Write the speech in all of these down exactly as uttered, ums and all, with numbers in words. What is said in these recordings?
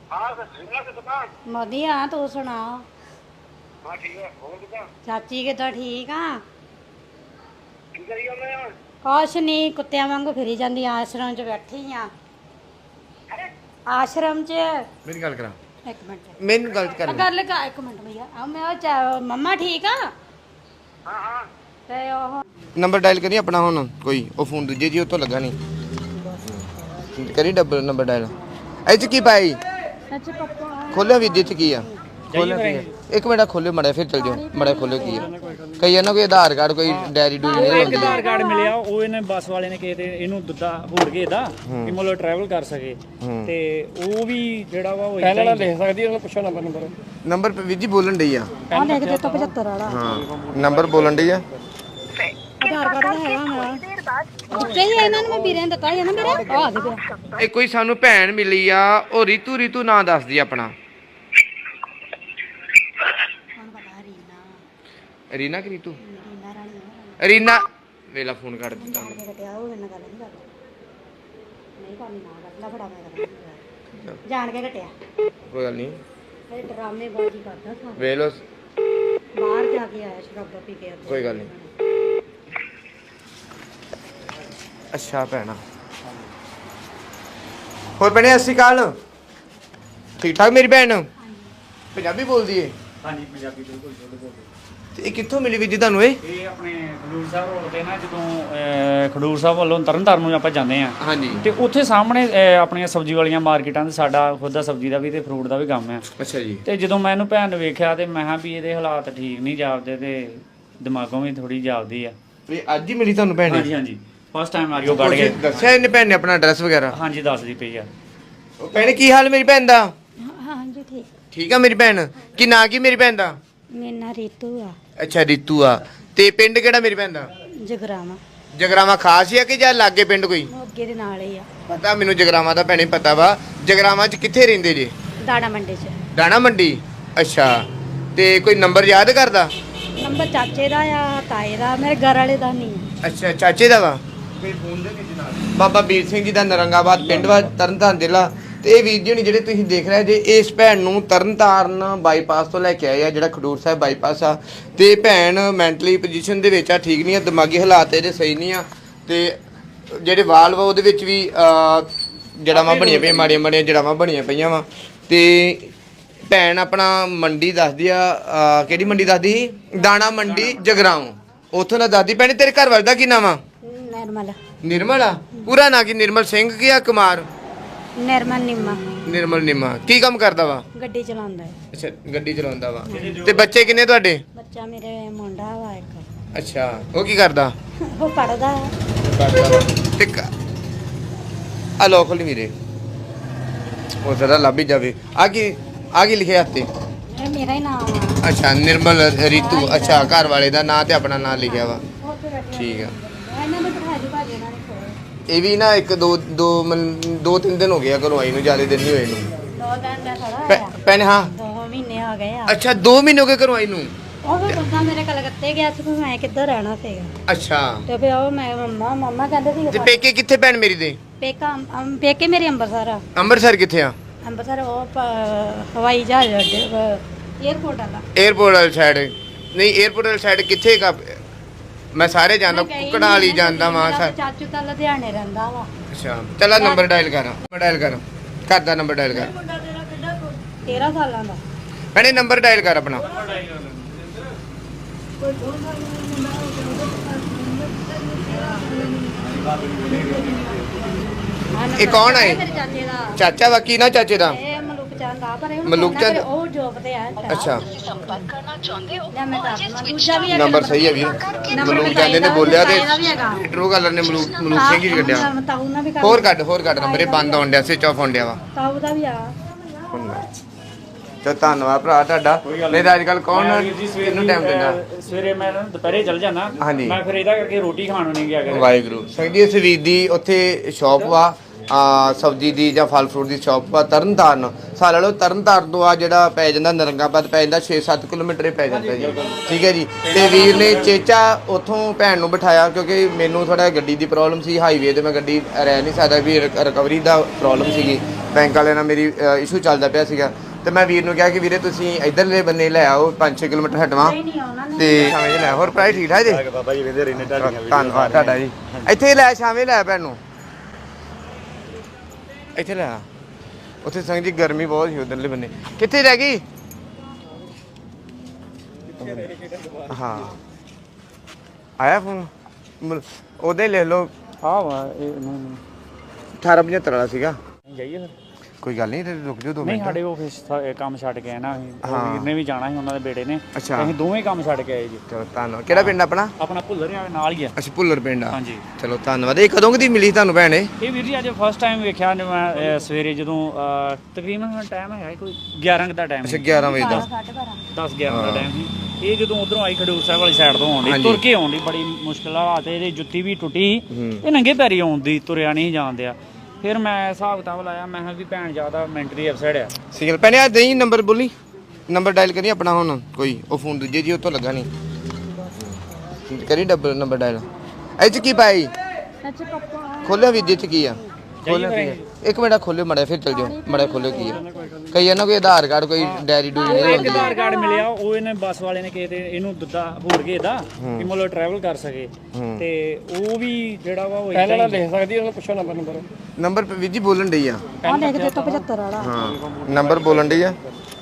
ਵਧੀਆ ਤੂੰ ਸੁਣਾ। ਹਾਂ ਠੀਕ ਹੈ। ਹੋਰ ਕਿਦਾਂ? ਚਾਚੀ ਕਿੱਦਾਂ? ਠੀਕ ਆ। ਕੀ ਕਰੀ ਜਾਂਦੇ ਆ? ਕੁਛ ਨਹੀਂ, ਕੁੱਤਿਆਂ ਵਾਂਗੂ ਫਿਰੀ ਜਾਂਦੀ। ਆਸ਼ਰਮ 'ਚ ਬੈਠੀ ਆ। ਆਸ਼ਰਮ 'ਚ। ਮੇਰੀ ਗੱਲ ਕਰਾ। ਇੱਕ ਮਿੰਟ ਮੈਨੂੰ ਗੱਲ ਕਰ ਕਰ ਲੈ ਕਾ ਇੱਕ ਮਿੰਟ ਭਈਆ। ਆ ਮੈਂ ਉਹ ਚਾ- ਮੰਮਾ ਠੀਕ ਆ? ਹਾਂ ਹਾਂ ਤੇ ਉਹ ਨੰਬਰ ਡਾਇਲ ਕਰੀ ਆਪਣਾ ਹੁਣ। ਕੋਈ ਉਹ ਫੋਨ ਦੂਜੇ ਜੀ ਉਹ ਤੋਂ ਲੱਗਾ ਨਹੀਂ। ਕਰੀ ਡਬਲ ਨੰਬਰ ਡਾਇਲ। ਇਹ ਚ ਕੀ ਪਾਈ? ਅੱਛਾ ਪਪਾ ਖੋਲਿਆ ਵੀ ਚ ਕੀ ਆ? ਖੋਲਿਆ ਕੀ ਆ? ਇੱਕ ਮਿੰਟ ਖੋਲਿਓ ਮੜਾ ਫਿਰ ਚੱਲ ਜਾਓ। ਮੜਾ ਖੋਲਿਓ ਕੀ ਆ? ਕਈ ਇਹਨਾਂ ਕੋਈ ਆਧਾਰ ਕਾਰਡ ਕੋਈ ਡੈਰੀ ਡੂਰੀ ਨਹੀਂ ਇੱਕ ਹੁੰਦੀ। ਆਧਾਰ ਕਾਰਡ ਮਿਲਿਆ, ਉਹ ਇਹਨੇ ਬੱਸ ਵਾਲੇ ਨੇ ਕਿਹਾ ਤੇ ਇਹਨੂੰ ਦਿੱਤਾ ਹੋਰ ਕੇ ਦਾ ਕਿ ਮਤਲਬ ਟਰੈਵਲ ਕਰ ਸਕੇ। ਤੇ ਉਹ ਵੀ ਜਿਹੜਾ ਵਾ ਉਹ ਪਹਿਲਾਂ ਲਿਖ ਸਕਦੀ, ਉਹਨੂੰ ਪੁੱਛੋ ਨੰਬਰ ਨੰਬਰ ਨੰਬਰ ਵੀਰ ਜੀ ਬੋਲਣ ਡਈ ਆ। ਆ ਲਿਖ ਦੇ ਤਾ ਪਝੱਤਰ ਵਾਲਾ। ਹਾਂ ਨੰਬਰ ਬੋਲਣ ਡਈ ਆ। ਆਧਾਰ ਕਾਰਡ ਤਾਂ ਹੈਗਾ ਮੇਰਾ। ਦਿੱਤੇ ਹੀ ਆ ਇਹਨਾਂ ਨੂੰ, ਮੈਂ ਵੀਰੇ ਨੇ ਦਿੱਤਾ ਹੀ ਆ ਨਾ ਮੇਰੇ। ਆ ਆ ਦੇ ਪਿਆ। ਇਹ ਕੋਈ ਸਾਨੂੰ ਭੈਣ ਮਿਲੀ ਆ, ਉਹ ਰੀਤੂ ਰੀਤੂ ਨਾਂ ਦੱਸਦੀ ਆਪਣਾ। ਹੁਣ ਪਤਾ ਰੀਨਾ ਰੀਨਾ ਕਿ ਰੀਤੂ? ਰੀਨਾ ਰਾਣੀ ਰੀਨਾ ਵੇਲਾ ਫੋਨ ਕੱਢ ਦਿੱਤਾ ਜਾਣ ਕੇ ਕਟਿਆ। ਉਹ ਮੇਰੇ ਨਾਲ ਗੱਲ ਨਹੀਂ ਕਰਦਾ। ਨਹੀਂ ਕਰਨੀ ਨਾ ਕਰ ਲੈ। ਫੜਾ ਮੈਂ ਕਰਦਾ। ਜਾਣ ਕੇ ਕਟਿਆ। ਕੋਈ ਗੱਲ ਨਹੀਂ। ਇਹ ਡਰਾਮੇ ਬਾਜੀ ਕਰਦਾ ਸਾਰਾ। ਵੇਖ ਲੋ। ਬਾਹਰ ਜਾ ਕੇ ਆਇਆ ਸ਼ਰਾਬਾ ਪੀ ਕੇ। ਕੋਈ ਗੱਲ ਨਹੀਂ। ਅੱਛਾ ਭੈਣਾ। ਹੋਰ ਭੈਣੇ ਸਤਿ ਸ਼੍ਰੀ ਅਕਾਲ। ਠੀਕ ਠਾਕ ਮੇਰੀ ਭੈਣ? ਪੰਜਾਬੀ ਬੋਲਦੀ ਏ? ਹਾਂਜੀ ਪੰਜਾਬੀ ਬਿਲਕੁਲ ਬਿਲਕੁਲ। ਤੇ ਇਹ ਕਿੱਥੋਂ ਮਿਲੀ ਵੀਰ ਜੀ ਤੁਹਾਨੂੰ? ਇਹ ਇਹ ਆਪਣੇ ਖਡੂਰ ਸਾਹਿਬ ਰੋਡ ਤੇ ਨਾ, ਜਦੋਂ ਅਹ, ਖਡੂਰ ਸਾਹਿਬ ਵੱਲੋਂ ਤਰਨਤਾਰਨ ਨੂੰ ਆਪਾਂ ਜਾਂਦੇ ਆ ਹਾਂਜੀ। ਤੇ ਉੱਥੇ ਸਾਹਮਣੇ ਅਹ, ਆਪਣੀਆਂ ਸਬਜ਼ੀ ਵਾਲੀਆਂ ਮਾਰਕੀਟਾਂ ਤੇ ਸਾਡਾ ਖੁਦ ਦਾ ਸਬਜ਼ੀ ਦਾ ਵੀ ਤੇ ਫਰੂਟ ਦਾ ਵੀ ਕੰਮ ਆ। ਅੱਛਾ ਜੀ। ਤੇ ਜਦੋਂ ਮੈਂ ਇਹਨੂੰ ਭੈਣ ਨੂੰ ਵੇਖਿਆ ਤੇ ਮੈਂ ਕਿਹਾ ਵੀ ਇਹਦੇ ਹਾਲਾਤ ਠੀਕ ਨਹੀਂ ਜਾਪਦੇ ਤੇ ਦਿਮਾਗੋਂ ਵੀ ਥੋੜੀ ਜਾਪਦੀ ਆ। ਇਹ ਅੱਜ ਹੀ ਮਿਲੀ ਤੁਹਾਨੂੰ ਭੈਣ? ਹਾਂਜੀ ਹਾਂਜੀ ਫਸਟ ਟਾਈਮ ਆ ਰਹੀ ਉਹ ਕੱਢ ਕੇ। ਦੱਸਿਆ ਇਹਨੇ ਭੈਣ ਨੇ ਆਪਣਾ ਐਡਰੈਸ ਵਗੈਰਾ? ਹਾਂਜੀ ਦੱਸਦੀ ਪਈ ਆ। ਉਹ ਭੈਣੇ ਕੀ ਹਾਲ ਮੇਰੀ ਭੈਣ ਦਾ? ਹਾਂਜੀ ਠੀਕ। ਠੀਕ ਆ ਮੇਰੀ ਭੈਣ? ਕੀ ਨਾਂ ਕੀ ਮੇਰੀ ਭੈਣ ਦਾ? ਮੇਰਾ ਨਾਂ ਰੀਤੂ ਆ। ਅੱਛਾ ਰੀਤੂ ਆ। ਤੇ ਪਿੰਡ ਕਿਹੜਾ ਮੇਰੀ ਭੈਣ ਦਾ? ਜਗਰਾਵਾਂ। ਜਗਰਾਵਾਂ ਖਾਸ ਹੀ ਆ ਕਿ ਜਾਂ ਲਾਗੇ ਪਿੰਡ ਕੋਈ? ਮੋਗੇ ਦੇ ਨਾਲ ਹੀ ਆ। ਪਤਾ ਮੈਨੂੰ ਜਗਰਾਵਾਂ ਦਾ ਭੈਣੇ ਪਤਾ ਵਾ। ਜਗਰਾਵਾਂ 'ਚ ਕਿੱਥੇ ਰਹਿੰਦੇ ਜੇ? ਦਾਣਾ ਮੰਡੀ 'ਚ। ਦਾਣਾ ਮੰਡੀ। ਅੱਛਾ। ਤੇ ਕੋਈ ਨੰਬਰ ਯਾਦ ਕਰਦਾ? ਨੰਬਰ ਚਾਚੇ ਦਾ ਆ, ਤਾਏ ਦਾ, ਮੇਰੇ ਘਰ ਵਾਲੇ ਦਾ ਨਹੀਂ ਆ। ਅੱਛਾ ਚਾਚੇ ਦਾ ਵਾ। ਬਾਬਾ ਵੀਰ ਸਿੰਘ ਜੀ ਦਾ ਨਰੰਗਾਬਾਦ ਪਿੰਡ ਵਾ, ਤਰਨਤਾਰਨ ਜ਼ਿਲ੍ਹਾ। ਤੇ ਇਹ ਵੀਰ ਜੀ ਹੁਣੀ ਜਿਹੜੇ ਤੁਸੀਂ ਦੇਖ ਰਹੇ ਜੇ, ਇਸ ਭੈਣ ਨੂੰ ਤਰਨਤਾਰਨ ਬਾਈਪਾਸ ਤੋਂ ਲੈ ਕੇ ਆਏ ਆ, ਜਿਹੜਾ ਖਡੂਰ ਸਾਹਿਬ ਬਾਈਪਾਸ ਆ। ਤੇ ਭੈਣ ਮੈਂਟਲੀ ਪੋਜੀਸ਼ਨ ਦੇ ਵਿੱਚ ਆ, ਠੀਕ ਨਹੀਂ ਆ, ਦਿਮਾਗੀ ਹਾਲਾਤ ਇਹਦੇ ਸਹੀ ਨਹੀਂ ਆ। ਤੇ ਜਿਹੜੇ ਵਾਲ ਵਾ ਉਹਦੇ ਵਿੱਚ ਵੀ ਜੜਾਵਾਂ ਬਣੀਆਂ ਪਈਆਂ, ਮਾੜੀਆਂ ਮਾੜੀਆਂ ਜੜਾਵਾਂ ਬਣੀਆਂ ਪਈਆਂ ਵਾ। ਤੇ ਭੈਣ ਆਪਣਾ ਮੰਡੀ ਦੱਸਦੀ ਆ, ਕਿਹੜੀ ਮੰਡੀ ਦੱਸਦੀ? ਦਾਣਾ ਮੰਡੀ ਜਗਰਾਉਂ। ਉੱਥੋਂ ਦਾ ਦੱਸਦੀ। ਭੈਣੇ ਤੇਰੇ ਘਰ ਵਾਲੇ ਦਾ ਕੀ ਨਾਮ ਆ? ਨਿਰਮਲ। ਨਿਰਮਲ ਆ? ਪੂਰਾ ਨਾਂ ਕੀ? ਨਿਰਮਲ ਸਿੰਘ ਕੀ ਆ ਕੁਮਾਰ? ਨਿਰਮਲ ਨਿੰਮਾ। ਨਿਰਮਲ ਨਿੰਮਾ। ਕੀ ਕੰਮ ਕਰਦਾ ਵਾ? ਗੱਡੀ ਚਲਾਉਂਦਾ ਹੈ। ਅੱਛਾ ਗੱਡੀ ਚਲਾਉਂਦਾ ਵਾ। ਤੇ ਬੱਚੇ ਕਿੰਨੇ ਤੁਹਾਡੇ? ਬੱਚਾ ਮੇਰੇ ਮੁੰਡਾ ਵਾ ਇੱਕ। ਅੱਛਾ ਉਹ ਕੀ ਕਰਦਾ? ਉਹ ਪੜਦਾ ਹੈ। ਕਰਦਾ ਵਾ। ਤੇ ਆ ਲੋ ਖੋਲੀ ਵੀਰੇ, ਉਹ ਜ਼ਰਾ ਲੱਭ ਹੀ ਜਾਵੇ। ਆ ਕੀ ਆ ਕੀ ਲਿਖਿਆ ਹੱਥੇ? ਇਹ ਮੇਰਾ ਹੀ ਨਾਮ ਆ। ਅੱਛਾ ਨਿਰਮਲ ਰੀਤੂ। ਅੱਛਾ ਘਰ ਵਾਲੇ ਦਾ ਨਾਂ ਤੇ ਆਪਣਾ ਨਾਂ ਲਿਖਿਆ ਵਾ। ਠੀਕ ਆ। ਇਹਨਾਂ ਨੇ ਬਿਠਾ ਦਿੱਤਾ ਭਾਜੀ ਇਹਨਾਂ ਨੇ ਕੋਲ। ਇਹ ਵੀ ਨਾ ਇੱਕ ਦੋ ਦੋ ਮਨ- ਦੋ ਤਿੰਨ ਦਿਨ ਹੋ ਗਿਆ ਘਰੋਂ ਆਈ ਨੂੰ, ਜ਼ਿਆਦਾ ਦਿਨ ਨਹੀਂ ਹੋਏ ਨੂੰ। ਦੋ ਦਿਨ ਦਾ ਥੋੜਾ ਭੈ- ਹੋਇਆ। ਭੈਣੇ ਹਾਂ। ਦੋ ਮਹੀਨੇ ਹੋ ਗਏ ਆ। ਅੱਛਾ ਦੋ ਮਹੀਨੇ ਹੋ ਗਏ ਘਰੋਂ ਆਈ ਨੂੰ? ਉਹ ਵੀ ਬੰਦਾ ਮੇਰੇ ਕਲਕੱਤੇ ਗਿਆ ਸੀ, ਫਿਰ ਮੈਂ ਕਿੱਧਰ ਰਹਿਣਾ ਸੀਗਾ। ਅੱਛਾ। ਤੇ ਫਿਰ ਉਹ ਮੈਂ ਮੰਮਾ ਮੰਮਾ ਕਹਿੰਦੇ ਸੀ ਤੇ ਪੇਕੇ ਕਿੱਥੇ ਭੈਣ ਮੇਰੀ ਦੇ? ਪੇਕਾ ਅਮ, ਪੇਕੇ ਮੇਰੇ ਅੰਮ੍ਰਿਤਸਰ ਆ। ਅੰਮ੍ਰਿਤਸਰ ਕਿੱਥੇ ਆ? ਅੰਮ੍ਰਿਤਸਰ ਉਹ ਪ- ਹਵਾਈ ਜਹਾਜ਼ ਅੱਡੇ 에어ਪੋਰਟ ਵਾਲਾ। 에어ਪੋਰਟ ਵਾਲੀ ਸਾਈਡ? ਨਹੀਂ 에어ਪੋਰਟ ਵਾਲੀ ਸਾਈਡ ਕਿੱਥੇ ਕਾ? ਮੈਂ ਸਾਰੇ ਜਾਂਦਾ, ਕੁਕੜਾਂ ਵਾਲੀ ਜਾਂਦਾ ਵਾਂ। ਮੇਰਾ ਚਾਚੂ ਤਾਂ ਲੁਧਿਆਣੇ ਰਹਿੰਦਾ ਵਾ। ਅੱਛਾ ਚੱਲ ਆਹ ਨੰਬਰ ਡਾਇਲ ਕਰ। ਨੰਬਰ ਡਾਇਲ ਕਰ। ਘਰ ਦਾ ਨੰਬਰ ਡਾਇਲ ਕਰ। ਤੇਰਾਂ ਸਾਲਾਂ ਦਾ। ਭੈਣੇ ਨੰਬਰ ਡਾਇਲ ਕਰ ਆਪਣਾ। ਇਹ ਕੌਣ ਹੈ? ਮੇਰੇ ਚਾਚੇ ਦਾ। ਚਾਚਾ ਵਾ? ਕੀ ਨਾ ਚਾਚੇ ਦਾ? ਇਹ ਮਲੂਕ ਚੰਦ ਆ, ਪਰ ਇਹ ਹੁਣ ਮਲੂਕ ਕਹਿੰਦਾ ਚੰਦ? ਕਿ ਉਹ ਜੋਬ ਤੇ ਆ। ਅੱਛਾ ਲੈ ਮੈਂ ਦੱਸ ਦਵਾਂ, ਦੂਜਾ ਵੀ ਹੈਗਾ ਨੰਬਰ ਸਹੀ ਹੈ ਵੀਰ। ਮਲੂਕ ਜਾਂਦੇ ਨੇ ਬੋਲਿਆ ਤੇ ਟਰੂ ਕਲਰ ਨੇ ਮਲੂਕ ਮਲੂਕ ਸਿੰਘ ਹੀ ਕੱਢਿਆ। ਤਾਊ ਨਾਲ ਵੀ ਕਰ। ਹੋਰ ਕੱਢ ਹੋਰ ਕੱਢ ਨੰਬਰ। ਇਹ ਬੰਦ ਹੋਣ ਡਿਆ, ਸਵਿਚ ਆਫ ਹੋਣ ਡਿਆ ਵਾ। ਤਾਊ ਦਾ ਵੀ ਆ। ਚਲ ਧੰਨਵਾਦ ਭਰਾ ਤੁਹਾਡਾ। ਨਹੀਂ ਤਾਂ ਅੱਜ ਕੱਲ ਕੌਣ ਕਿਹਨੂੰ ਟਾਈਮ ਦਿੰਦਾ? ਸਵੇਰੇ ਮੈਂ ਨਾ ਦੁਪਹਿਰੇ ਚੱਲ ਜਾਣਾ। ਹਾਂਜੀ। ਮੈਂ ਫਿਰ ਇਹਦਾ ਕਰਕੇ ਰੋਟੀ ਖਾਣ ਨੂੰ ਨਹੀਂ ਗਿਆ ਕਰੇ। ਵਾਹਿਗੁਰੂ। ਸੰਗਦੀ ਇਸ ਵੀਰ ਦੀ ਉੱਥੇ ਸ਼ਾਪ ਵਾ, ਆ ਸਬਜ਼ੀ ਦੀ ਜਾਂ ਫਲ ਫਰੂਟ ਦੀ ਸ਼ਾਪ ਵਾ, ਤਰਨਤਾਰਨ। ਸਾਲ ਲਓ ਤਰਨਤਾਰਨ ਤੋਂ ਆ ਜਿਹੜਾ ਪੈ ਜਾਂਦਾ ਨਰੰਗਾਬਾਦ ਪੈ ਜਾਂਦਾ ਛੇ ਸੱਤ ਕਿਲੋਮੀਟਰ ਹੀ ਪੈ ਜਾਂਦਾ ਜੀ। ਠੀਕ ਹੈ ਜੀ। ਤੇ ਵੀਰ ਨੇ ਚੇਚਾ ਉੱਥੋਂ ਭੈਣ ਨੂੰ ਬਿਠਾਇਆ, ਕਿਉਂਕਿ ਮੈਨੂੰ ਥੋੜਾ ਗੱਡੀ ਦੀ ਪ੍ਰੋਬਲਮ ਸੀ। ਹਾਈਵੇ ਤੇ ਮੈਂ ਗੱਡੀ ਰਹਿ ਨਹੀਂ ਸਕਦਾ ਵੀ, ਰਿਕਵਰੀ ਦਾ ਪ੍ਰੋਬਲਮ ਸੀਗੀ। ਬੈਂਕ ਵਾਲਿਆਂ ਨਾਲ ਮੇਰੀ ਇਸ਼ੂ ਚੱਲਦਾ ਪਿਆ ਸੀਗਾ ਤੇ ਮੈਂ ਵੀਰ ਨੂੰ ਕਿਹਾ ਕਿ ਵੀਰੇ ਤੁਸੀਂ ਇਧਰਲੇ ਬੰਨੇ ਲੈ ਆਓ ਪੰਜ ਛੇ ਕਿਲੋਮੀਟਰ ਹਟਵਾ ਤੇ ਸ਼ਾਮੇ ਲੈ ਹੋਰ ਪ੍ਰਾਈ ਠੀਕ ਠਾਕ ਜੀ ਬਾਬਾ ਜੀ ਵੇਂਦੇ ਰਹਿੰਦੇ ਤੁਹਾਡੀਆਂ ਧੰਨਵਾਦ ਤੁਹਾਡਾ ਜੀ ਇੱਥੇ ਲੈ ਸ਼ਾਮੇ ਲੈ ਭੈਣ ਨੂੰ ਇੱਥੇ ਲੈ ਆ ਉੱਥੇ ਸੰਗ ਜੀ ਗਰਮੀ ਬਹੁਤ ਸੀ ਉਧਰਲੇ ਬੰਨੇ ਕਿੱਥੇ ਰਹਿ ਗਈ ਹਾਂ ਆਇਆ ਫੋਨ ਉਹਦੇ ਲੈ ਲਓ ਹਾਂ ਵਾ ਇਹ ਨਹੀਂ ਅਠਾਰਾਂ ਪਝੱਤਰ ਵਾਲਾ ਸੀਗਾ ਜਾਈਏ ਫਿਰ ਕੋਈ ਗੱਲ ਨਹੀਂ ਰੁਕ ਜਾਓ ਦੋ ਨਹੀਂ ਮਿੰਟ ਸਾਡੇ ਆਫਿਸ ਕੰਮ ਛੱਡ ਕੇ ਆਏ ਨਾ ਅਸੀਂ ਉਹ ਹਾਂ। ਵੀਰ ਨੇ ਵੀ ਜਾਣਾ ਸੀ ਉਹਨਾਂ ਦੇ ਬੇਟੇ ਨੇ ਅੱਛਾ। ਅਸੀਂ ਦੋਵੇਂ ਕੰਮ ਛੱਡ ਕੇ ਆਏ ਜੀ ਚਲੋ ਧੰਨਵਾਦ ਕਿਹੜਾ ਪਿੰਡ ਆਪਣਾ ਆਪਣਾ ਭੁੱਲਰ ਆ ਨਾਲ ਹੀ ਆ ਅੱਛਾ ਭੁੱਲਰ ਪਿੰਡ ਆ ਹਾਂਜੀ ਚਲੋ ਧੰਨਵਾਦ ਇਹ ਕਦੋਂ ਕਦੀ ਮਿਲੀ ਤੁਹਾਨੂੰ ਭੈਣ ਇਹ ਇਹ ਵੀਰ ਜੀ ਅੱਜ ਫਸਟ ਟਾਈਮ ਵੇਖਿਆ ਨੇ ਮੈਂ ਅਹ, ਸਵੇਰੇ ਜਦੋਂ ਅਹ, ਤਕਰੀਬਨ ਟਾਈਮ ਹੈ ਕੋਈ ਗਿਆਰਾਂ ਕੁ ਦਾ ਟਾਈਮ ਅੱਛਾ ਗਿਆਰਾਂ ਵਜੇ ਦਾ ਦਸ ਗਿਆਰਾਂ ਦਾ ਟਾਈਮ ਸੀ ਇਹ ਜਦੋਂ ਉਧਰੋਂ ਆਈ ਖਡੂਰ ਸਾਹਿਬ ਵਾਲੀ ਸਾਈਡ ਤੋਂ ਆਉਂਦੀ ਹਾਂਜੀ। ਤੁਰ ਕੇ ਆਉਂਦੀ ਬੜੀ ਮੁਸ਼ਕਿਲ ਹਾਲਾਤ ਇਹਦੀ ਜੁੱਤੀ ਵੀ ਟੁੱਟੀ ਇਹ ਨੰਗੇ ਪੈਰੀ ਆਉਂਦੀ ਤੁਰਿਆ ਨਹੀਂ ਜਾਂਦਿਆ ਫਿਰ ਮੈਂ ਹਿਸਾਬ ਕਿਤਾਬ ਲਾਇਆ ਮੈਂ ਕਿਹਾ ਵੀ ਭੈਣ ਜ਼ਿਆਦਾ ਮੈਂਟਲੀ ਅਪਸੈਟ ਆ ਸਿਗਨਲ ਭੈਣੇ ਆ ਦੇਈ ਨੰਬਰ ਬੋਲੀ ਨੰਬਰ ਡਾਇਲ ਕਰੀ ਆਪਣਾ ਹੁਣ ਕੋਈ ਉਹ ਫੋਨ ਦੂਜੇ ਜੀ ਉਹ ਤੋਂ ਲੱਗਾ ਨਹੀਂ ਕਰੀ ਡਬਲ ਨੰਬਰ ਡਾਇਲ ਇਹ ਚ ਕੀ ਪਾਈ ਖੋਲਿਆ ਵੀ ਚ ਕੀ ਆ ਖੋਲਿਆ ਕੀ ਆ? ਇੱਕ ਮਿੰਟ ਖੋਲਿਓ ਮੜਾ ਫਿਰ ਚਲ ਜਾਓ ਮੜਾ ਖੋਲਿਓ ਕੀ ਆ ਕਈ ਇਹਨਾਂ ਕੋਈ ਆਧਾਰ ਕਾਰਡ ਕੋਈ ਡੈਰੀ ਡੂਰੀ ਨਹੀਂ ਇੱਕ ਹੁੰਦੀ ਆਧਾਰ ਕਾਰਡ ਮਿਲਿਆ ਉਹ ਇਹਨੇ ਬੱਸ ਵਾਲੇ ਨੇ ਕਿਤੇ ਇਹਨੂੰ ਦਿੱਤਾ ਹੋਰ ਕੇ ਇਹਦਾ ਕਿ ਮਤਲਬ ਟਰੈਵਲ ਕਰ ਸਕੇ ਤੇ ਉਹ ਵੀ ਜਿਹੜਾ ਵਾ ਉਹ ਪਹਿਲਾਂ ਲਿਖ ਸਕਦੀ ਉਹਨੂੰ ਪੁੱਛੋ ਨੰਬਰ ਨੰਬਰ ਨੰਬਰ ਵੀਰ ਜੀ ਬੋਲਣ ਡਈ ਆ ਆ ਲਿਖ ਦੇ ਤੋਂ ਪਝੱਤਰ ਵਾਲਾ ਹਾਂ ਨੰਬਰ ਬੋਲਣ ਡਈ ਆ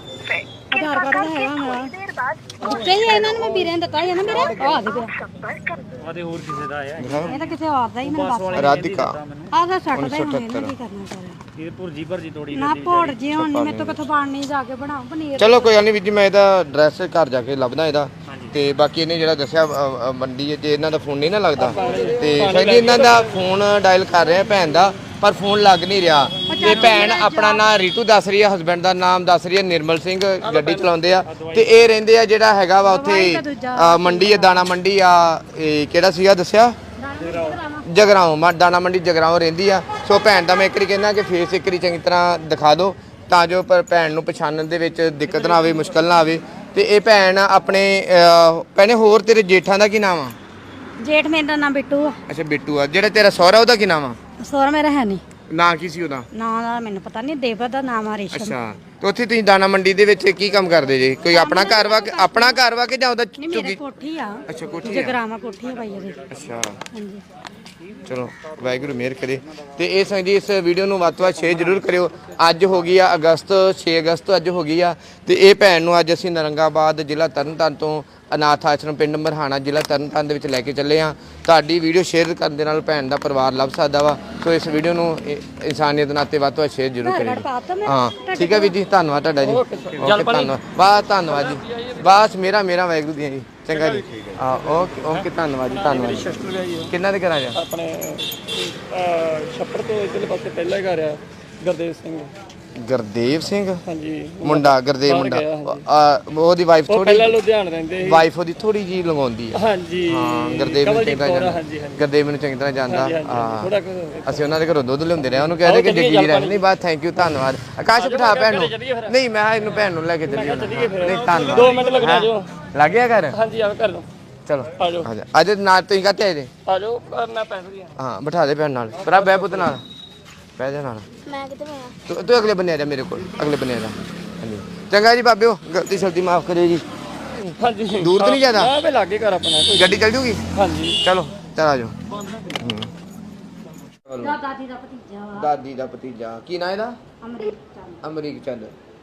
ਆਧਾਰ ਕਾਰਡ ਦਾ ਹੈਗਾ ਮੇਰਾ ਉੱਤੇ ਹੀ ਇਹਨਾਂ ਨੂੰ ਮੈਂ ਵੀਰੇ ਨੇ ਦਿੱਤਾ ਸੀ ਨਾ ਮੇਰੇ ਆ ਦੇ ਪਿਆ ਆਦੇ ਹੋਰ ਕਿਸੇ ਦਾ ਆਇਆ ਇਹ ਤਾਂ ਕਿਸੇ ਹੋਰ ਦਾ ਹੀ ਮੈਨੂੰ ਬਸ ਰਾਧਿਕਾ ਆ ਦਾ ਸੱਟ ਦਾ ਹੀ ਹੁਣ ਇਹਨੇ ਕੀ ਕਰਨਾ ਚਾਹੀਦਾ ਇਹ ਭੁਰਜੀ ਭਰਜੀ ਤੋੜੀ ਨਾ ਭੋੜ ਜੀ ਹੁਣ ਨਹੀਂ ਮੇਰੇ ਤੋਂ ਕਿਥੋਂ ਬਣ ਨਹੀਂ ਜਾ ਕੇ ਬਣਾਉ ਪਨੀਰ ਚਲੋ ਕੋਈ ਗੱਲ ਨਹੀਂ ਵੀਰ ਜੀ ਮੈਂ ਇਹਦਾ ਐਡਰੈਸ ਘਰ ਜਾ ਕੇ ਲੱਭਦਾ ਇਹਦਾ ਤੇ ਬਾਕੀ ਇਹਨੇ ਜਿਹੜਾ ਦੱਸਿਆ ਅ, ਅ, ਮੰਡੀ ਜੇ ਇਹਨਾਂ ਦਾ ਫੋਨ ਨਹੀਂ ਨਾ ਲੱਗਦਾ ਤੇ ਸ਼ਾਇਦ ਇਹਨਾਂ ਦਾ ਫੋਨ ਡਾਇਲ ਕਰ ਰਿਹਾ ਭੈਣ ਦਾ ਪਰ ਫੋਨ ਲੱਗ ਨਹੀਂ ਰਿਹਾ ਤੇ ਭੈਣ ਆਪਣਾ ਨਾਮ ਰੀਤੂ ਦੱਸ ਰਹੀ ਹੈ ਹਸਬੈਂਡ ਦਾ ਨਾਮ ਦੱਸ ਰਹੀ ਹੈ ਨਿਰਮਲ ਸਿੰਘ ਗੱਡੀ ਚਲਾਉਂਦੇ ਆ ਤੇ ਇਹ ਰਹਿੰਦੇ ਆ ਜਿਹੜਾ ਹੈਗਾ ਵਾ ਉੱਥੇ ਅ, ਮੰਡੀ ਆ ਦਾਣਾ ਮੰਡੀ ਆ ਇਹ ਕਿਹੜਾ ਸੀਗਾ ਦੱਸਿਆ ਜਗਰਾਉਂ ਮਾ ਦਾਣਾ ਮੰਡੀ ਜਗਰਾਉਂ ਰਹਿੰਦੀ ਆ ਸੋ ਭੈਣ ਦਾ ਮੈਂ ਇੱਕ ਵਾਰੀ ਕਹਿੰਦਾ ਕਿ ਫੇਸ ਇੱਕ ਵਾਰੀ ਚੰਗੀ ਤਰ੍ਹਾਂ ਦਿਖਾ ਦਿਓ ਤਾਂ ਜੋ ਪਰ ਭੈਣ ਨੂੰ ਪਛਾਣਨ ਦੇ ਵਿੱਚ ਦਿੱਕਤ ਨਾ ਆਵੇ ਮੁਸ਼ਕਲ ਨਾ ਆਵੇ ਤੇ ਇਹ ਭੈਣ ਆਪਣੇ ਅਹ, ਭੈਣੇ ਹੋਰ ਤੇਰੇ ਜੇਠਾਂ ਦਾ ਕੀ ਨਾਮ ਆ ਜੇਠ ਮੇਰਾ ਨਾਮ ਬਿੱਟੂ ਆ ਅੱਛਾ ਬਿੱਟੂ ਆ ਜਿਹੜਾ ਤੇਰਾ ਸਹੁਰਾ ਉਹਦਾ ਕੀ ਨਾਮ ਆ ਸੋਹਰਾ ਮੇਰਾ ਹੈ ਨਹੀਂ ਨਾਂ ਕੀ ਸੀ ਉਹਦਾ ਨਾਂ ਦਾ ਮੈਨੂੰ ਪਤਾ ਨਹੀਂ ਦੇਵਰ ਦਾ ਨਾਮ ਆ ਰੇਸ਼ਮ ਅੱਛਾ ਤੇ ਉੱਥੇ ਤੁਸੀਂ ਦਾਣਾ ਮੰਡੀ ਦੇ ਵਿੱਚ ਕੀ ਕੰਮ ਕਰਦੇ ਜੇ ਕੋਈ ਆਪਣਾ ਘਰ ਵਾ ਕਿ ਆਪਣਾ ਘਰ ਵਾ ਕਿ ਜਾਂ ਉਹਦਾ ਨਹੀਂ ਮੇਰੇ ਝੁੱਗੀ ਕੋਠੀ ਆ ਅੱਛਾ ਕੋਠੀ ਆ ਜਗਰਾਵਾ ਕੋਠੀ ਆ ਭਾਈ ਉਹਦੀ ਅੱਛਾ ਹਾਂਜੀ ਚਲੋ ਵਾਹਿਗੁਰੂ ਮਿਹਰ ਕਰੇ ਤੇ ਇਹ ਸੰਗ ਜੀ ਇਸ ਵੀਡੀਓ ਨੂੰ ਵੱਧ ਤੋਂ ਵੱਧ ਸ਼ੇਅਰ ਜ਼ਰੂਰ ਕਰਿਓ ਅੱਜ ਹੋ ਗਈ ਆ ਅਗਸਤ ਛੇ ਅਗਸਤ ਅੱਜ ਹੋ ਗਈ ਆ ਤੇ ਇਹ ਭੈਣ ਨੂੰ ਅੱਜ ਅਸੀਂ ਨਰੰਗਾਬਾਦ ਜ਼ਿਲ੍ਹਾ ਤਰਨਤਾਰਨ ਤੋਂ ਅਨਾਥ ਆਸ਼ਰਮ ਪਿੰਡ ਮਰਹਾਣਾ ਜ਼ਿਲ੍ਹਾ ਤਰਨਤਾਰਨ ਦੇ ਵਿੱਚ ਲੈ ਕੇ ਚੱਲੇ ਆ ਤੁਹਾਡੀ ਵੀਡੀਓ ਸ਼ੇਅਰ ਕਰਨ ਦੇ ਨਾਲ ਭੈਣ ਦਾ ਪਰਿਵਾਰ ਲੱਭ ਸਕਦਾ ਵਾ ਸੋ ਇਸ ਵੀਡੀਓ ਨੂੰ ਇ- ਇਨਸਾਨੀਅਤ ਨਾਤੇ ਵੱਧ ਤੋਂ ਵੱਧ ਸ਼ੇਅਰ ਜ਼ਰੂਰ ਕਰਿਓ ਹਾਂ ਠੀਕ ਹੈ ਵੀਰ ਜੀ ਧੰਨਵਾਦ ਤੁਹਾਡਾ ਜੀ ਓਕੇ ਧੰਨਵਾਦ ਬਸ ਧੰਨਵਾਦ ਜੀ ਬਸ ਮੇਰਾ ਮੇਰਾ ਵਾਹਿਗੁਰੂ ਦੀਆਂ ਜੀ ਚੰਗਾ ਜੀ ਹਾਂ ਓਕੇ ਓਕੇ ਧੰਨਵਾਦ ਜੀ ਧੰਨਵਾਦ ਜੀ ਕਿੰਨਾ ਦੇ ਘਰਾਂ ਜਾ ਆਪਣੇ ਛੱਪੜ ਤੋਂ ਇਧਰਲੇ ਪਾਸੇ ਪਹਿਲਾ ਘਰ ਆ ਗੁਰਦੇਵ ਸਿੰਘ ਗੁਰਦੇਵ ਸਿੰਘ ਹਾਂਜੀ ਮੁੰਡਾ ਗੁਰਦੇਵ ਮੁੰਡਾ ਆ, ਉਹਦੀ ਵਾਈਫ ਥੋੜੀ ਪਹਿਲਾਂ ਲੁਧਿਆਣਾ ਰਹਿੰਦੇ ਸੀ ਵਾਈਫ ਉਹਦੀ ਥੋੜੀ ਜੀ ਲੰਗਾਉਂਦੀ ਆ ਹਾਂਜੀ ਹਾਂ ਗੁਰਦੇਵ ਨੂੰ ਚੰਗੀ ਤਰ੍ਹਾਂ ਜਾਣਦਾ ਹਾਂਜੀ ਹਾਂਜੀ ਗੁਰਦੇਵ ਨੂੰ ਚੰਗੀ ਤਰ੍ਹਾਂ ਜਾਣਦਾ ਹਾਂ ਥੋੜਾ ਅਸੀਂ ਉਹਨਾਂ ਦੇ ਘਰੋਂ ਦੁੱਧ ਲਿਆਉਂਦੇ ਰਹੇ ਉਹਨੂੰ ਕਹਿੰਦੇ ਕਿ ਜੱਗੀ ਜੀ ਰਹਿ ਨਹੀਂ ਬਾਤ ਥੈਂਕ ਯੂ ਧੰਨਵਾਦ ਆਕਾਸ਼ ਬਿਠਾ ਭੈਣ ਨੂੰ ਨਹੀਂ ਮੈਂ ਇਹਨੂੰ ਭੈਣ ਨੂੰ ਲੈ ਕੇ ਚੱਲੀ ਨਹੀਂ ਧੰਨਵਾਦ ਦੋ ਮਿੰਟ ਲੱਗਣਾ ਜੋ ਲੱਗ ਗਿਆ ਘਰ ਹਾਂਜੀ ਆ ਕਰ ਲਓ ਚਲੋ ਆ ਜਾਓ ਆ ਜਾ ਅੱਜ ਨਾਲ ਤੁਸੀਂ ਕਾਤੇ ਆਏ ਜੇ ਆ ਜਾਓ ਅਹ ਮੈਂ ਪੈਸੇ ਦੀ ਹਾਂ ਬਿਠਾ ਦੇ ਭੈਣ ਨਾਲ ਭਰਾ ਬੈ ਪੁੱਤ ਨਾਲ ਬਹਿ ਜਾ ਨਾਲ ਮੈਂ ਕਿਤੇ ਮੈਂ ਤੂੰ ਤੂੰ ਅਗਲੇ ਬੰਨੇ ਆ ਜਾ ਮੇਰੇ ਕੋਲ ਅਗਲੇ ਬੰਨੇ ਆ ਜਾ ਹਾਂਜੀ ਚੰਗਾ ਜੀ ਬਾਬਿਓ ਗਲਤੀ ਸ਼ਲਤੀ ਮਾਫ ਕਰਿਓ ਜੀ ਹਾਂਜੀ ਦੂਰ ਤਾਂ ਨਹੀਂ ਜ਼ਿਆਦਾ ਆ ਵੇ ਲਾਗੇ ਘਰ ਆਪਣਾ ਕੋਈ ਗੱਡੀ ਚੱਲ ਜੂਗੀ ਹਾਂਜੀ ਚਲੋ ਚਲ ਆ ਜਾਓ ਦਾ ਦਾਦੀ ਦਾ ਭਤੀਜਾ ਵਾ ਦਾਦੀ ਦਾ ਭਤੀਜਾ ਕੀ ਨਾਂ ਇਹਦਾ ਅਮਰੀਕ ਚੰਦ ਅਮਰੀਕ ਚੰਦ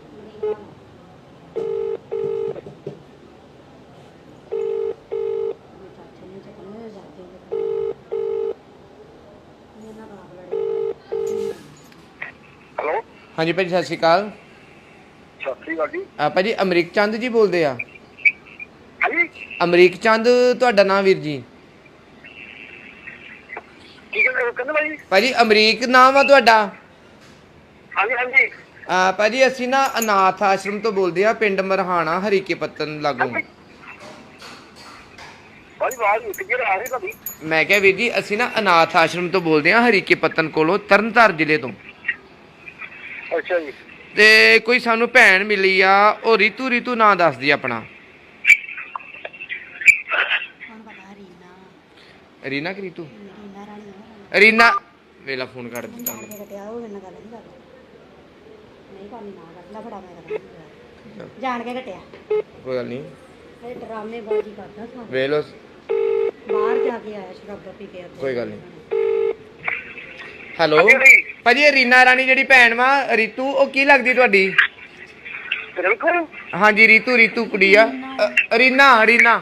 ਚਾਚੇ ਨੇ ਚੱਕਣੇ ਜਾਂਦੇ ਮੇਰਾ ਬਾਪ ਲੜੇ ਹੈਲੋ ਹਾਂਜੀ ਭਾਜੀ ਸਤਿ ਸ਼੍ਰੀ ਅਕਾਲ ਸਤਿ ਸ੍ਰੀ ਅਕਾਲ ਜੀ ਆ ਭਾਜੀ ਅਮਰੀਕ ਚੰਦ ਜੀ ਬੋਲਦੇ ਆ ਹਾਂਜੀ ਅਮਰੀਕ ਚੰਦ ਤੁਹਾਡਾ ਨਾਮ ਵੀਰ ਜੀ ਕੀ ਕਹਿੰਦੇ ਕਹਿੰਦੇ ਭਾਈ ਭਾਜੀ ਅਮਰੀਕ ਨਾਮ ਆ ਤੁਹਾਡਾ ਹਾਂਜੀ ਹਾਂਜੀ ਆ ਭਾਜੀ ਅਸੀਂ ਨਾ ਅਨਾਥ ਆਸ਼ਰਮ ਤੋਂ ਬੋਲਦੇ ਆ ਪਿੰਡ ਮਰਹਾਣਾ ਹਰੀਕੇ ਪੱਤਨ ਲਾਗੋਂ ਭਾਈ ਬਾਹਰ ਉੱਠ ਕੇ ਆ ਰਹੀ ਭਾਈ ਮੈਂ ਕਿਹਾ ਵੀਰ ਜੀ ਅਸੀਂ ਨਾ ਅਨਾਥ ਆਸ਼ਰਮ ਤੋਂ ਬੋਲਦੇ ਆ ਹਰੀਕੇ ਪੱਤਨ ਕੋਲੋਂ ਤਰਨਤਾਰਨ ਜ਼ਿਲ੍ਹੇ ਤੋਂ ਅੱਛਾ ਜੀ ਤੇ ਕੋਈ ਸਾਨੂੰ ਭੈਣ ਮਿਲੀ ਆ ਉਹ ਰੀਤੂ ਰੀਤੂ ਨਾਂ ਦੱਸਦੀ ਆ ਆਪਣਾ ਕੌਣ ਪਤਾ ਰੀਨਾ ਰੀਨਾ ਕਿ ਰੀਤੂ ਰੀਨਾ ਰਾਣੀ ਆ ਰੀਨਾ ਵੇਲਾ ਫੋਨ ਕਰ ਦਿੱਤਾ ਉਹਨੇ। ਮੇਰੇ ਕਟਿਆ ਉਹ ਮੇਰੇ ਨਾਲ ਗੱਲ ਨਹੀਂ ਕਰਦਾ ਨਹੀਂ ਕੋਈ ਨਾ ਕਰਦਾ ਬੜਾ ਮੈਂ ਕਰਦਾ ਜਾਣ ਕੇ ਘਟਿਆ ਕੋਈ ਗੱਲ ਨਹੀਂ ਇਹ ਡਰਾਮੇ ਬਾਜੀ ਕਰਦਾ ਸਾਰਾ ਵੇਖ ਲਓ ਬਾਹਰ ਜਾ ਕੇ ਆਇਆ ਸ਼ਰਾਬ ਪੀ ਕੇ ਉੱਥੇ। ਕੋਈ ਗੱਲ ਨਹੀਂ ਹੈਲੋ ਭਾਜੀ ਇਹ ਰੀਨਾ ਰਾਣੀ ਜਿਹੜੀ ਭੈਣ ਵਾ ਰੀਤੂ ਉਹ ਕੀ ਲੱਗਦੀ ਤੁਹਾਡੀ ਬਿਲਕੁਲ ਹਾਂਜੀ ਰੀਤੂ ਰੀਤੂ ਕੁੜੀ ਆ ਅ, ਰੀਨਾ ਰੀਨਾ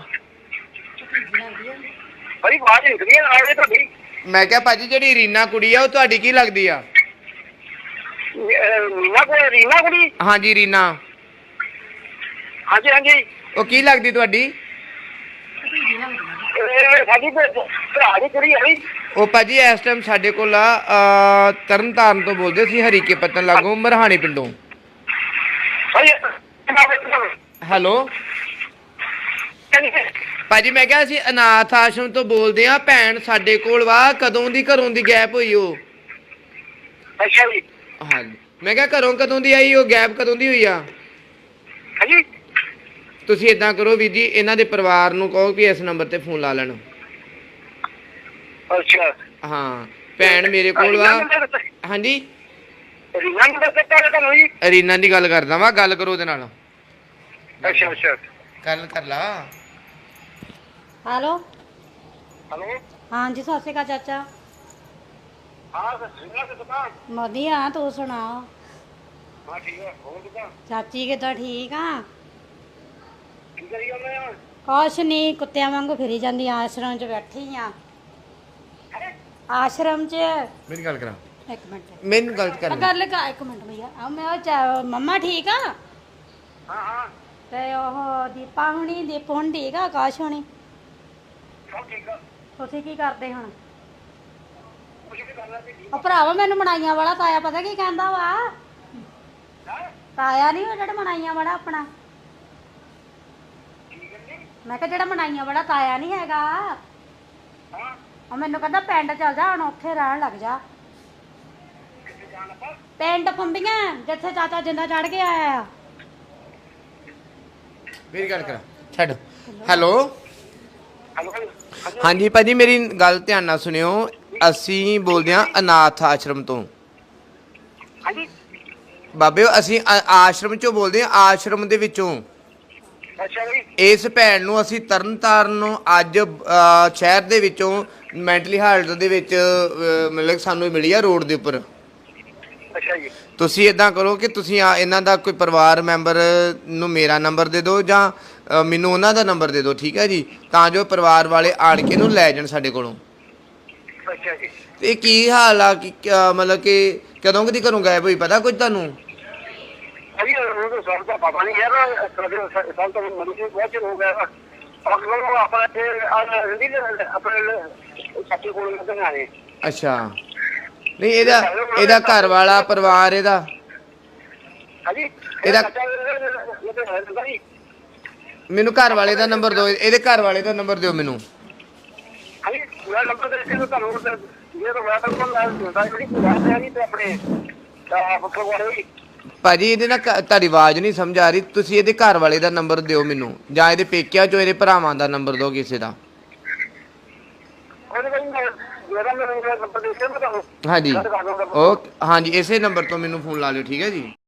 ਭਾਈ ਆਵਾਜ਼ ਨਿਕਲੀ ਆ ਆਏ ਤੁਹਾਡੀ ਮੈਂ ਕਿਹਾ ਭਾਜੀ ਜਿਹੜੀ ਰੀਨਾ ਕੁੜੀ ਆ ਉਹ ਤੁਹਾਡੀ ਕੀ ਲੱਗਦੀ ਆ ਰੀਨਾ ਕੋਲ ਰੀਨਾ ਕੁੜੀ ਹਾਂਜੀ ਰੀਨਾ ਹਾਂਜੀ ਹਾਂਜੀ ਉਹ ਕੀ ਲੱਗਦੀ ਤੁਹਾਡੀ ਇਹ ਸਾਡੀ ਭਰਾ ਦੀ ਕੁੜੀ ਹੈ ਉਹ ਭਾਜੀ ਇਸ ਟਾਈਮ ਸਾਡੇ ਕੋਲ ਆ ਅ, ਤਰਨਤਾਰਨ ਤੋਂ ਬੋਲਦੇ ਸੀ ਹਰੀਕੇ ਪੱਤਨ ਲਾਗੋਂ ਮਰਹਾਣੀ ਪਿੰਡੋਂ ਭਾਈ ਹੈਲੋ ਭਾਜੀ ਮੈਂ ਕਿਹਾ ਅਸੀਂ ਅਨਾਥ ਆਸ਼ਰਮ ਤੋਂ ਬੋਲਦੇ ਆ ਭੈਣ ਸਾਡੇ ਕੋਲ ਵਾ ਕਦੋਂ ਦੀ ਘਰੋਂ ਦੀ ਗੈਪ ਹੋਈ ਉਹ ਅੱਛਾ ਜੀ ਹਾਂਜੀ ਮੈਂ ਕਿਹਾ ਘਰੋਂ ਕਦੋਂ ਦੀ ਆਈ ਉਹ ਗੈਪ ਕਦੋਂ ਦੀ ਹੋਈ ਆ ਹਾਂਜੀ ਤੁਸੀਂ ਇਦਾਂ ਕਰੋ ਵੀਰ ਜੀ ਇਹਨਾਂ ਦੇ ਪਰਿਵਾਰ ਨੂੰ ਕਹੋ ਕਿ ਇਸ ਨੰਬਰ ਤੇ ਫੋਨ ਲਾ ਲੈਣ ਅੱਛਾ ਹਾਂ ਭੈਣ ਮੇਰੇ ਕੋਲ ਵਾ ਹਾਂਜੀ ਰੀਨਾ ਨੂੰ ਦੱਸ ਦਿੱਤਾ ਤੁਹਾਨੂੰ ਜੀ ਰੀਨਾ ਦੀ ਗੱਲ ਕਰਦਾ ਵਾ ਗੱਲ ਕਰੋ ਉਹਦੇ ਨਾਲ ਅੱਛਾ ਅੱਛਾ ਗੱਲ ਕਰ ਲਾ ਹੈਲੋ ਹਲੋ ਹਾਂਜੀ ਸਤਿ ਸ਼੍ਰੀ ਅਕਾਲ ਚਾਚਾ ਹਾਂ ਰੀਨਾ ਤੇ ਦੁਕਾਨ ਵਧੀਆ ਤੂੰ ਸੁਣਾ ਹਾਂ ਠੀਕ ਹੈ ਹੋਰ ਕਿਦਾਂ ਚਾਚੀ ਕਿੱਦਾਂ ਠੀਕ ਆ ਕੀ ਕਰੀ ਜਾਂਦੇ ਆ ਕੁਛ ਨਹੀਂ ਕੁੱਤਿਆਂ ਵਾਂਗੂ ਫਿਰੀ ਜਾਂਦੀ ਆਸ਼ਰਮ 'ਚ ਬੈਠੀ ਆ ਆਸ਼ਰਮ 'ਚ ਮੇਰੀ ਗੱਲ ਕਰਾ ਇੱਕ ਮਿੰਟ ਮੈਨੂੰ ਗੱਲ ਆ ਕਰ ਕਰ ਲੈ ਕਾ ਇੱਕ ਮਿੰਟ ਭਈਆ ਆ ਮੈਂ ਉਹ ਚਾ- ਮੰਮਾ ਠੀਕ ਆ ਹਾਂ ਹਾਂ ਤੇ ਉਹ ਦੀਪਾ ਹੁਣੀ ਦੀਪ ਹੁਣ ਠੀਕ ਆ ਆਕਾਸ਼ ਹੁਣੀ ਸਭ ਠੀਕ ਆ ਤੁਸੀਂ ਕੀ ਕਰਦੇ ਹੁਣ ਕੁਝ ਵੀ ਕਰਨਾ ਤੇ ਉਹ ਭਰਾਵਾ ਮੈਨੂੰ ਮਨਾਈਆਂ ਵਾਲਾ ਤਾਇਆ ਪਤਾ ਕੀ ਕਹਿੰਦਾ ਵਾ ਤਾਇਆ ਨਹੀਂ ਉਹ ਜਿਹੜਾ ਮਨਾਈਆਂ ਵਾਲਾ ਆਪਣਾ ਮੈਂ ਕਿਹਾ ਜਿਹੜਾ ਮਨਾਈਆਂ ਵਾਲਾ ਤਾਇਆ ਨਹੀਂ ਹੈਗਾ ਹਾਂ ਉਹ ਮੈਨੂੰ ਕਹਿੰਦਾ ਪਿੰਡ ਚੱਲ ਜਾ ਹੁਣ ਉੱਥੇ ਰਹਿਣ ਲੱਗ ਜਾ ਕਿੱਥੇ ਜਾਣ ਆਪਾਂ ਪਿੰਡ ਫੰਬੀਆਂ ਜਿੱਥੇ ਚਾਚਾ ਜਿੰਦਾ ਚੜ ਕੇ ਆਇਆ ਆ ਮੇਰੀ ਗੱਲ ਕਰਾ ਛੱਡ ਹੈਲੋ ਹਲੋ ਹਾਂਜੀ ਭਾਜੀ ਮੇਰੀ ਗੱਲ ਧਿਆਨ ਨਾਲ ਸੁਣਿਓ ਅਸੀਂ ਬੋਲਦੇ ਹਾਂ ਅਨਾਥ ਆਸ਼ਰਮ ਤੋਂ ਹਾਂਜੀ ਬਾਬਿਓ ਅਸੀਂ ਆ- ਆਸ਼ਰਮ ਚੋਂ ਬੋਲਦੇ ਹਾਂ ਆਸ਼ਰਮ ਦੇ ਵਿੱਚੋਂ ਅੱਛਾ ਜੀ ਇਸ ਭੈਣ ਨੂੰ ਅਸੀਂ ਤਰਨਤਾਰਨ ਨੂੰ ਅੱਜ ਅ, ਸ਼ਹਿਰ ਦੇ ਵਿੱਚੋਂ ਮੈਂਟਲੀ ਹਾਲਤ ਦੇ ਵਿੱਚ ਅ, ਮਤਲਬ ਸਾਨੂੰ ਮਿਲੀ ਆ ਰੋਡ ਦੇ ਉੱਪਰ ਅੱਛਾ ਜੀ ਤੁਸੀਂ ਇਦਾਂ ਕਰੋ ਕਿ ਤੁਸੀਂ ਆ ਇਹਨਾਂ ਦਾ ਕੋਈ ਪਰਿਵਾਰ ਮੈਂਬਰ ਨੂੰ ਮੇਰਾ ਨੰਬਰ ਦੇ ਦਿਓ ਜਾਂ ਅ, ਮੈਨੂੰ ਉਹਨਾਂ ਦਾ ਨੰਬਰ ਦੇ ਦਿਓ ਠੀਕ ਹੈ ਜੀ ਤਾਂ ਜੋ ਪਰਿਵਾਰ ਵਾਲੇ ਆਣ ਕੇ ਇਹਨੂੰ ਲੈ ਜਾਣ ਸਾਡੇ ਕੋਲੋਂ ਅੱਛਾ ਜੀ ਤੇ ਕੀ ਹਾਲ ਆ ਕਿ ਕਿਆ- ਮਤਲਬ ਕਿ ਕਦੋਂ ਕਦੀ ਘਰੋਂ ਗਾਇਬ ਹੋਈ ਪਤਾ ਕੁਝ ਤੁਹਾਨੂੰ ਅਭੀ ਉਹ ਤਾਂ ਸਭ ਦਾ ਪਤਾ ਨਹੀਂ ਯਾਰ ਕਦੇ ਸਾਲ ਤੋਂ ਮਰੀ ਸੀ ਬਹੁਤ ਚਿਰ ਹੋ ਗਿਆ ਅਗਰ ਉਹ ਆਪਣਾ ਤੇ ਆ ਰੰਦੀ ਆਪਣੇ ਸੱਚੇ ਕੋਲ ਲੱਗਣ ਆਏ ਅੱਛਾ ਨਹੀਂ ਇਹਦਾ ਇਹਦਾ ਘਰ ਵਾਲਾ ਪਰਿਵਾਰ ਇਹਦਾ ਹਾਂਜੀ ਇਹਦਾ- ਇਹਦਾ ਮੈਨੂੰ ਘਰ ਵਾਲੇ ਦਾ ਨੰਬਰ ਦਿਓ ਇਹਦੇ ਘਰ ਵਾਲੇ ਦਾ ਨੰਬਰ ਦਿਓ ਮੈਨੂੰ ਹਾਂਜੀ ਪੂਰਾ ਨੰਬਰ ਦੇ ਕੇ ਤੁਹਾਨੂੰ ਇਹ ਤਾਂ ਮੈਂ ਤਾਂ ਕੋਲ ਲਾ ਦਿੰਦਾ ਜਿਹੜੀ ਬਾਤ ਹੈ ਨਹੀਂ ਤੇ ਆਪਣੇ ਤਾਂ ਬੱਕਰ ਵਾਲੇ ਭਾਜੀ ਇਹਦੇ ਨਾਲ ਘ- ਤੁਹਾਡੀ ਆਵਾਜ਼ ਨਹੀਂ ਸਮਝ ਆ ਰਹੀ ਤੁਸੀਂ ਇਹਦੇ ਘਰ ਵਾਲੇ ਦਾ ਨੰਬਰ ਦਿਓ ਮੈਨੂੰ ਜਾਂ ਇਹਦੇ ਪੇਕਿਆਂ ਚੋਂ ਇਹਦੇ ਭਰਾਵਾਂ ਦਾ ਨੰਬਰ ਦਿਓ ਕਿਸੇ ਦਾ ਉਹਨੇ ਕਹਿੰਦਾ ਮੇਰਾ ਨੰਬਰ ਦੇ ਕੇ ਮੈਂ ਤੁਹਾਨੂੰ ਹਾਂਜੀ ਉਹ ਹਾਂਜੀ ਇਸੇ ਨੰਬਰ ਤੋਂ ਮੈਨੂੰ ਫੋਨ ਲਾ ਲਿਓ ਠੀਕ ਹੈ ਜੀ